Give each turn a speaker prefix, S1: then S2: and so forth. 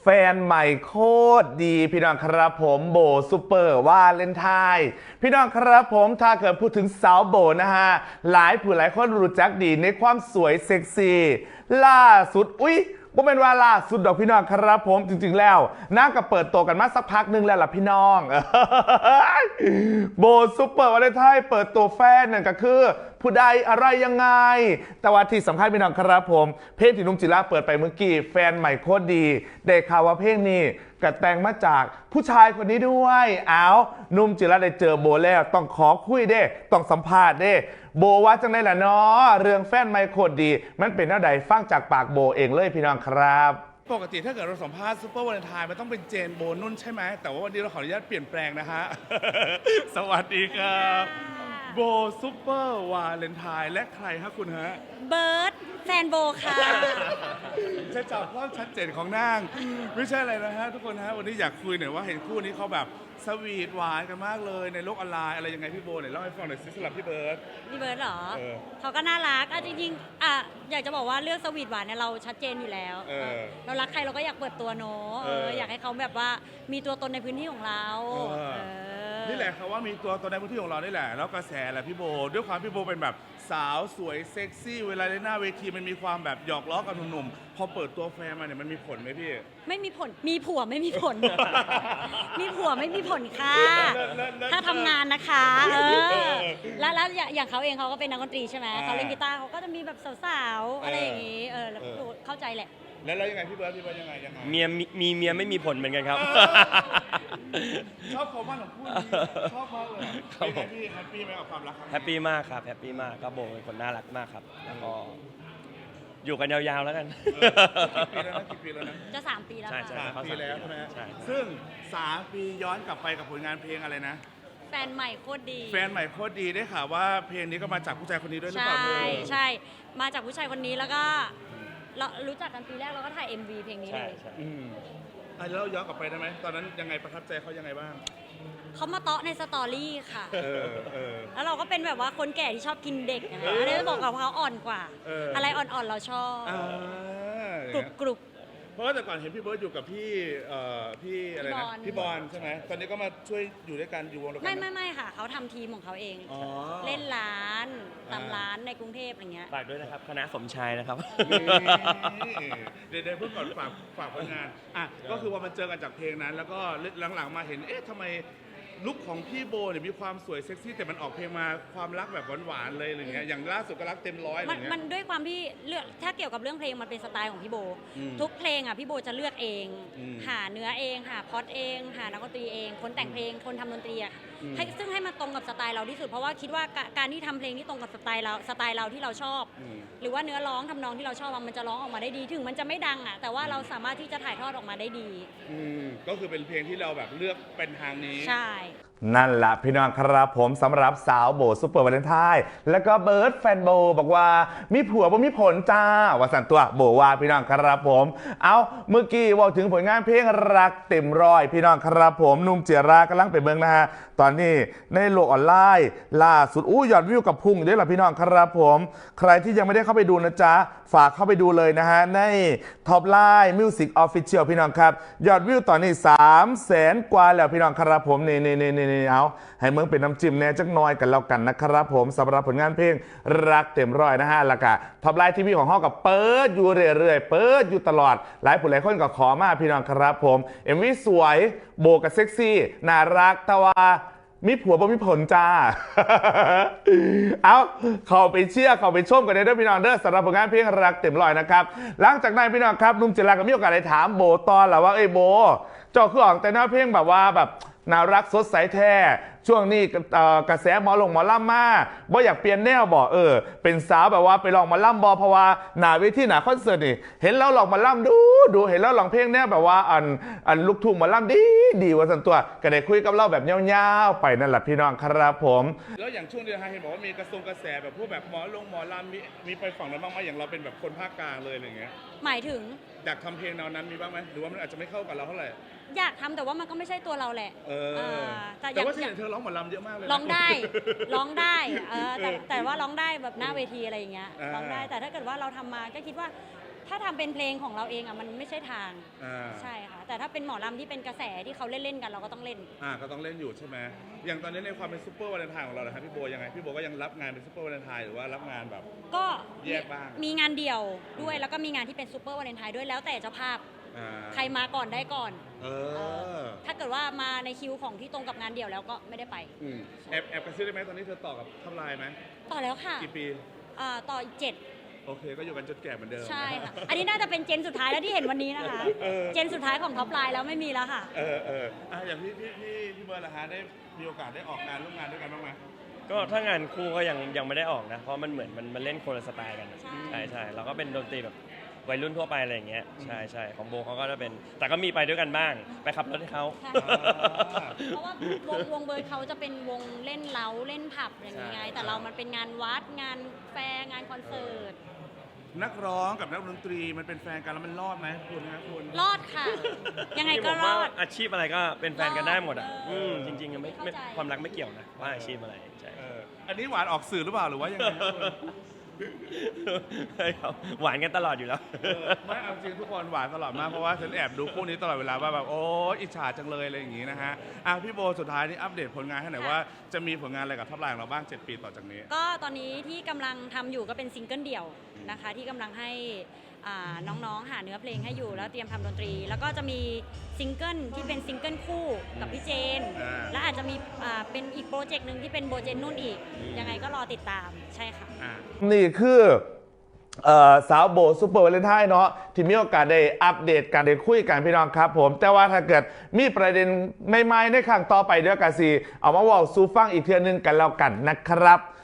S1: แฟนใหม่โคตรดีพี่น้องครับผมโบซูเปอร์วาเลนไทน์พี่น้องครับผมถ้าเกิดพูดถึงสาวโบนะฮะหลายผู้หลายคนรู้จักดีในความสวยเซ็กซี่ล่าสุดบ่เป็นว่าล่าสุดดอกพี่น้องครับผมจริงๆแล้วน่าก็เปิดตัวกันมาสักพักนึงแล้วล่ะพี่น้องโบซูเปอร์วาเลนไทน์เปิดตัวแฟนนั่นก็คือผู้ใดอะไรยังไงแต่ว่าที่สำคัญพี่น้องครับผมเพลงที่นุ่มจิระเปิดไปเมื่อกี้แฟนใหม่โคตรดีได้ข่าวว่าเพลงนี้กระแต่งมาจากผู้ชายคนนี้ด้วยนุ่มจิระได้เจอโบแล้วต้องขอคุยเด้ต้องสัมภาษณ์เด้โบว่าจังได้ล่ะเนาะเรื่องแฟนใหม่โคตรดีมันเป็นแนวใดฟังจากปากโบเองเลยพี่น้องครับ
S2: ปกติถ้าเกิดเราสัมภาษณ์ซูเปอร์วาเลนไทน์มันต้องเป็นเจนโบนุ่นใช่ไหมแต่ว่าวันนี้เราขออนุญาตเปลี่ยนแปลงนะฮะ สวัสดีครับโบซูเปอร์วาเลนไทน์และใครฮะคุณฮะ
S3: เบิร์ดแฟนโบค่ะ
S2: จะจับความชัดเจนของนางไม่ใช่อะไรนะฮะทุกคนฮะวันนี้อยากคุยหน่อยว่าเห็นคู่นี้เขาแบบสวีทหวานกันมากเลยในโลกออนไลน์อะไรยังไงพี่โบเนี่ยเล่าให้ฟังหน่อยสิสำหรับพี่เบิร์ด
S3: พี่เบิร์ดเหรอ
S2: เออ
S3: เขาก็น่ารักจริงๆอยากจะบอกว่าเรื่องสวีทหวานเนี่ยเราชัดเจนอยู่แล้ว เรารักใครเราก็อยากเปิดตัวเนอะอยากให้เขาแบบว่ามีตัวตนในพื้นที่ของเรา
S2: นี่แหละครับว่ามีตัวตนในพื้นที่ของเรานี่แหละแล้วกระแสแหละพี่โบด้วยความพี่โบเป็นแบบสาวสวยเซ็กซี่เวลาในหน้าเวทีมันมีความแบบหยอกล้อกับหนุ่มๆพอเปิดตัวแฟนมาเนี่ยมันมีผลไหมพี่
S3: ไม่มีผลมีผัวไม่มีผล มีผัวไม่มีผลค่ะ ถ้าทำงานนะคะแล้วอย่างเขาเองเขาก็เป็นนักดนตรีใช่ไหมเขาเล่นกีตาร์เขาก็จะมีแบบสาวๆอะไรอย่างงี้แล้วเข้าใจแหละ
S2: แล้วยังไงพี่เบิร์ดยังไง
S4: เมียมีเมียไม่มีผลเหมือนกันครับ
S2: ชอบความมั่นของคู่นี้ชอบมากเลยเป็นไงพี่แฮปปี้ไหมกับความรักครั้งนี้
S4: แฮปปี้มากครับแฮปปี้มากครับโบเป็นคนน่ารักมากครับแล้วก็อยู่กันยาวๆแล้วกัน
S2: กี่ปีแล้วนะ
S3: จะ3 ปีแล้ว
S4: ใช่
S3: ค่ะ
S2: 3 ปีแล้วใช่ไหม
S4: ใช่
S2: ซึ่ง3 ปีย้อนกลับไปกับผลงานเพลงอะไรนะ
S3: แฟนใหม่โคตรดี
S2: แฟนใหม่โคตรดีได้ข่าวว่าเพลงนี้ก็มาจากผู้ชายคนนี้ด้วยหรือเปล่า
S3: ใช่ มาจากผู้ชายคนนี้แล้วก็เรารู้จักกันปีแรกเราก็ถ่าย MV เพลงนี้
S4: ใช่
S3: เลย
S4: ใช่
S2: แล้วเราย้อนกลับไปได้ไหมตอนนั้นยังไงประทับใจเขายังไงบ้าง
S3: เขามาเตาะในสตอรี่ค่ะ
S2: เออ
S3: แล้วเราก็เป็นแบบว่าคนแก่ที่ชอบกินเด็กนะคะอันนี้จะบอกกับเขาอ่อนกว่า อะไรอ่อนๆเราชอบ กรุบ
S2: เพราะว่าแต่ก่อนเห็นพี่เบิร์ดอยู่กับพี่อะไรนะพี่บอลใช่ไหมตอนนี้ก็มาช่วยอยู่ด้วยกันอยู่วงเดียวกัน
S3: ไม่ค่ะเขาทำทีมของเขาเอง
S2: อ๋อ
S3: เล่นร้านตามร้านในกรุงเทพอะไรเงี้ย
S4: ฝากด้วยนะครับคณะสมชายนะครับ
S2: เดี๋ยวเพิ่งก่อนฝากผลงานก็คือว่ามันเจอกันจากเพลงนั้น แล้วก็หลังๆมาเห็นทำไมลุคของพี่โบเนี่ยมีความสวยเซ็กซี่แต่มันออกเพลงมาความรักแบบหวานๆเลยอะไรเงี้ยอย่างล่าสุดก็รักเต็มร้อยอะไรเงี้ย
S3: มันด้วยความที่เลือกถ้าเกี่ยวกับเรื่องเพลงมันเป็นสไตล์ของพี่โบ ทุกเพลงพี่โบจะเลือกเอง หาเนื้อเองหาพล็อตเองหานักดนตรีเองคนแต่งเพลงคนทำดนตรีซึ่งให้มันตรงกับสไตล์เราที่สุดเพราะว่าคิดว่าการที่ทำเพลงที่ตรงกับสไตล์เราที่เราชอบ หรือว่าเนื้อร้องทำนองที่เราชอบมันจะร้องออกมาได้ดีถึงมันจะไม่ดังแต่ว่าเราสามารถที่จะถ่ายทอดออกมาได้ดี
S2: ก็คือเป็นเพลงที่เราแบบเลือกเป็นทางนี้
S3: ใช่
S1: นั่นแหละพี่น้องครับผมสำหรับสาวโบซูเปอร์วาเลนไทน์แล้วก็เบิร์ดแฟนโบบอกว่ามีผัวบ่มีผลจ้าว่าสันตัวโบว่าพี่น้องครับผมเอาเมื่อกี้ว่าถึงผลงานเพลงรักเต็มร้อยพี่น้องครับผมนุ่มเจียรากำลังไปเบิ่งนะฮะตอนนี้ในโลกออนไลน์ล่าสุดยอดวิวกับพุ่งด้วยล่ะพี่น้องครับผมใครที่ยังไม่ได้เข้าไปดูนะจ๊ะฝากเข้าไปดูเลยนะฮะในท็อปไลน์มิวสิกออฟฟิเชียลพี่น้องครับยอดวิวตอนนี้300,000 กว่าแล้วพี่น้องครับผมนี่เอาให้เมืองเป็นน้ำจิ้มแน่จักหน่อยกันแล้วกันนะครับผมสำหรับผลงานเพลงรักเต็มร้อยนะฮะแล้วก็ท็อปไลน์ทีวีของห้องกับเปิดอยู่เรื่อยๆเปิดอยู่ตลอดหลายผู้หลายคนก็ขอมาพี่น้องครับผมMVสวยโบกับเซ็กซี่น่ารักแต่ว่ามีผัวบ่มีผลจ้า เอาเข้าไปเชื่อเข้าไปชมกันได้ด้วยพี่น้องเด้อสำหรับผลงานเพลงรักเต็มร้อยนะครับหลังจากนั้นพี่น้องครับนุ่มเจริญก็มีโอกาสได้ถามโบตอนแหละว่าโบเจ้าคือออกแต่หน้าเพลงแบบว่าแบบน่ารักสดใสแท้ช่วงนี้กระแสหมอล่ำมาบ่อยากเปลี่ยนแนวบ่เป็นสาวแบบว่าไปลองมาล่ำบ่เพราะว่าหน้าเวทีหน้าคอนเสิร์ตนี่เห็นแล้วลองมาล่ำดูเห็นแล้วลองเพลงแนวแบบว่าอันลูกทุ่งมาล่ำดีว่าสันตัวก็ได้คุยกับเราแบบยาวๆไปนั่นแหละพี่น้องครับผม
S2: แล้วอย่างช่วงเดือนเห็นบอกว่ามีกระแสแบบพวกแบบหมอลำมีไปฝั่งนั้นบ้างไหมอย่างเราเป็นแบบคนภาคกลางเลยอะไรเงี้ย
S3: หมายถึง
S2: อยากทำเพลงแนวนั้นมีบ้างไหมหรือว่ามันอาจจะไม่เข้ากับเราเท่าไหร่
S3: อยากทำแต่ว่ามันก็ไม่ใช่ตัวเราแหละ
S2: แต่ว่าที่เห็นเธอร้องหมอลำเยอะมากเลย
S3: ร้องได้แต่ว่าร้องได้แบบหน้าเวทีอะไรอย่างเงี้ยร้องได้แต่ถ้าเกิดว่าเราทำมาก็คิดว่าถ้าทำเป็นเพลงของเราเองมันไม่ใช่ทางใช่ค่ะเป็นหมอลำที่เป็นกระแสที่เขาเล่นๆกันเราก็ต้องเล่น
S2: ก็ต้องเล่นอยู่ใช่ไหมอย่างตอนนี้ในความเป็นซูเปอร์วาเลนไทน์ของเรานะครับพี่โบยังไงพี่โบก็ยังรับงานเป็นซูเปอร์วาเลนไทน์หรือว่ารับงานแบบ
S3: ก็
S2: แยกบ้าง
S3: มีงานเดี่ยวด้วยแล้วก็มีงานที่เป็นซูเปอร์วาเลนไทน์ด้วยแล้วแต่เจ้าภาพ
S2: อ่า
S3: ใครมาก่อนได้ก่อน
S2: เออ
S3: ถ้าเกิดว่ามาในคิวของที่ตรงกับงานเดี่ยวแล้วก็ไม่ได้ไป
S2: แอบกระซิบได้ไหมตอนนี้เธอต่อกับทัพไลน์ไหม
S3: ต่อแล้วค่ะ
S2: กี่ปี
S3: ต่ออีก
S2: โอเคก็อยู่กันจนแก่เหมือนเดิม
S3: 7 ใช่ค่ะ อันนี้น่าจะเป็นเจนสุดท้ายแล้วที่เห็นวันนี้นะคะ เจนสุดท้ายของท็อปไลน์แล้วไม่มีแล้วค่ะ
S2: อย่างพี่เบิร์ดล่ะฮะได้มีโอกาสได้ออกงานร่วมงานด้วยกันบ้างไหม
S4: ก็ถ้างานคู่ก็ยังไม่ได้ออกนะ เพราะมันเหมือนมันเล่นคนละสไตล์กัน
S3: ใช่
S4: ใช่เราก็เป็นดนตรีแบบวัยรุ่นทั่วไปอะไรอย่างเงี้ยใช่ของโบเขาก็จะเป็นแต่ก็มีไปด้วยกันบ้างไปขับรถให้เขา
S3: ใช่เพราะว่าวงเบิร์ดเขาจะเป็นวงเล่นเล้าเล่นผับอย่างนี้ไง แต่เรามันเป็นงานวัดงานแฟร์งานคอนเสิร์ต
S2: นักร้องกับนักดนตรีมันเป็นแฟนกันแล้วมันรอดไหมคุณฮะคุณ
S3: รอดค่ะ ยังไงก็
S4: ผม
S3: ร
S4: ว่า
S3: อด
S4: อาชีพอะไรก็เป็นแฟนกันได้หมดอ่ะ
S3: รอด
S4: จริงๆไม่
S3: เข้าใจ
S4: ความรักไม่เกี่ยวนะว่าอาชีพอะไรใช่
S2: อันนี้หวานออกสื่อหรือเปล่าหรือว่ายังไงฮะคุณ
S4: ใช่ครับหวานกันตลอดอยู่แล้ว
S2: ไม่เอาจริงทุกคนหวานตลอดมากเพราะว่าฉันแอบดูคู่นี้ตลอดเวลาว่าแบบโอ้อิจฉาจังเลยอะไรอย่างงี้นะฮะพี่โบสุดท้ายนี่อัปเดตผลงานให้หน่อยว่าจะมีผลงานอะไรกับท็อปไลน์ของเราบ้าง7 ปีต่อจากนี้
S3: ก็ตอนนี้ที่กำลังทำอยู่ก็เป็นซิงเกิลเดี่ยวนะคะ ที่กำลังให้น้องๆหาเนื้อเพลงให้อยู่แล้วเตรียมทำดนตรี แล้วก็จะมีซิงเกิลที่เป็นซิงเกิลคู่กับพี่เจน และอาจจะมีเป็นอีกโปรเจกต์หนึ่งที่เป็นโบเจนนุ่นอีก ยังไงก็รอติดตามใช่ค่ะ
S1: นี่คือสาวโบซูเปอร์วาเลนไทน์เนาะที่มีโอกาสได้อัปเดตการได้คุยกันพี่น้องครับผม แต่ว่าถ้าเกิดมีประเด็นใหม่ๆในครั้งต่อไปเดี๋ยวกันสิเอามาบอกซูฟังอีกเทื่อนึงกันแล้วกันนะครับ